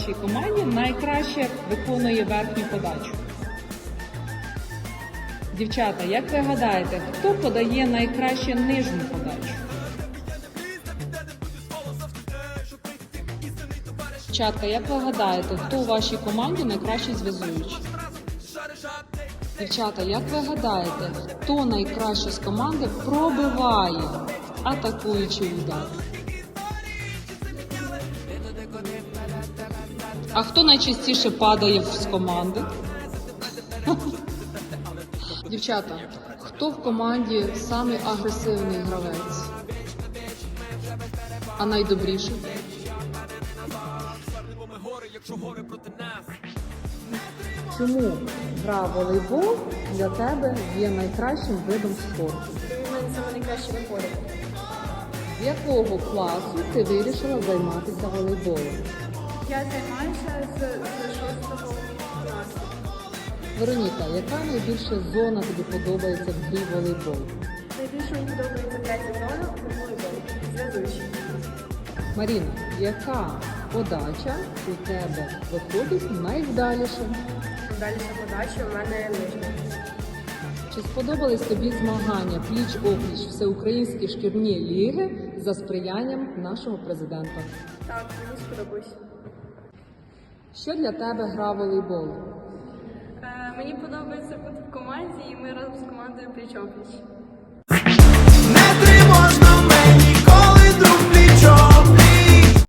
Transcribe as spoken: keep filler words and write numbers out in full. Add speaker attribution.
Speaker 1: вашій команді найкраще виконує верхню подачу? Дівчата, як ви гадаєте, хто подає найкраще нижню подачу? Дівчатка, як ви гадаєте, хто у вашій команді найкращий зв'язуючий? Дівчата, як ви гадаєте, хто найкраще з команди пробиває атакуючий удар? А хто найчастіше падає з команди? Дівчата, хто в команді самий агресивний гравець? А найдобріший? Чому гра в волейбол для тебе є найкращим видом спорту?
Speaker 2: У мене саме найкраще виходить.
Speaker 1: З якого класу ти вирішила займатися волейболом?
Speaker 2: Я займаюся з, з шостого класу.
Speaker 1: Вероніка, яка найбільша зона тобі подобається в грі волейбол?
Speaker 2: Найбільше мені подобається третя зона у волейболі. Зв'язуючий.
Speaker 1: Маріна, яка подача у тебе виходить найвдаліше?
Speaker 2: Дальше подача у мене нижня.
Speaker 1: Чи сподобались тобі змагання пліч-опліч всеукраїнські шкільні ліги за сприянням нашого президента?
Speaker 2: Так, мені сподобалось.
Speaker 1: Що для тебе гра волейбол?
Speaker 2: Е, мені подобається бути в команді, і ми разом з командою пліч-опліч.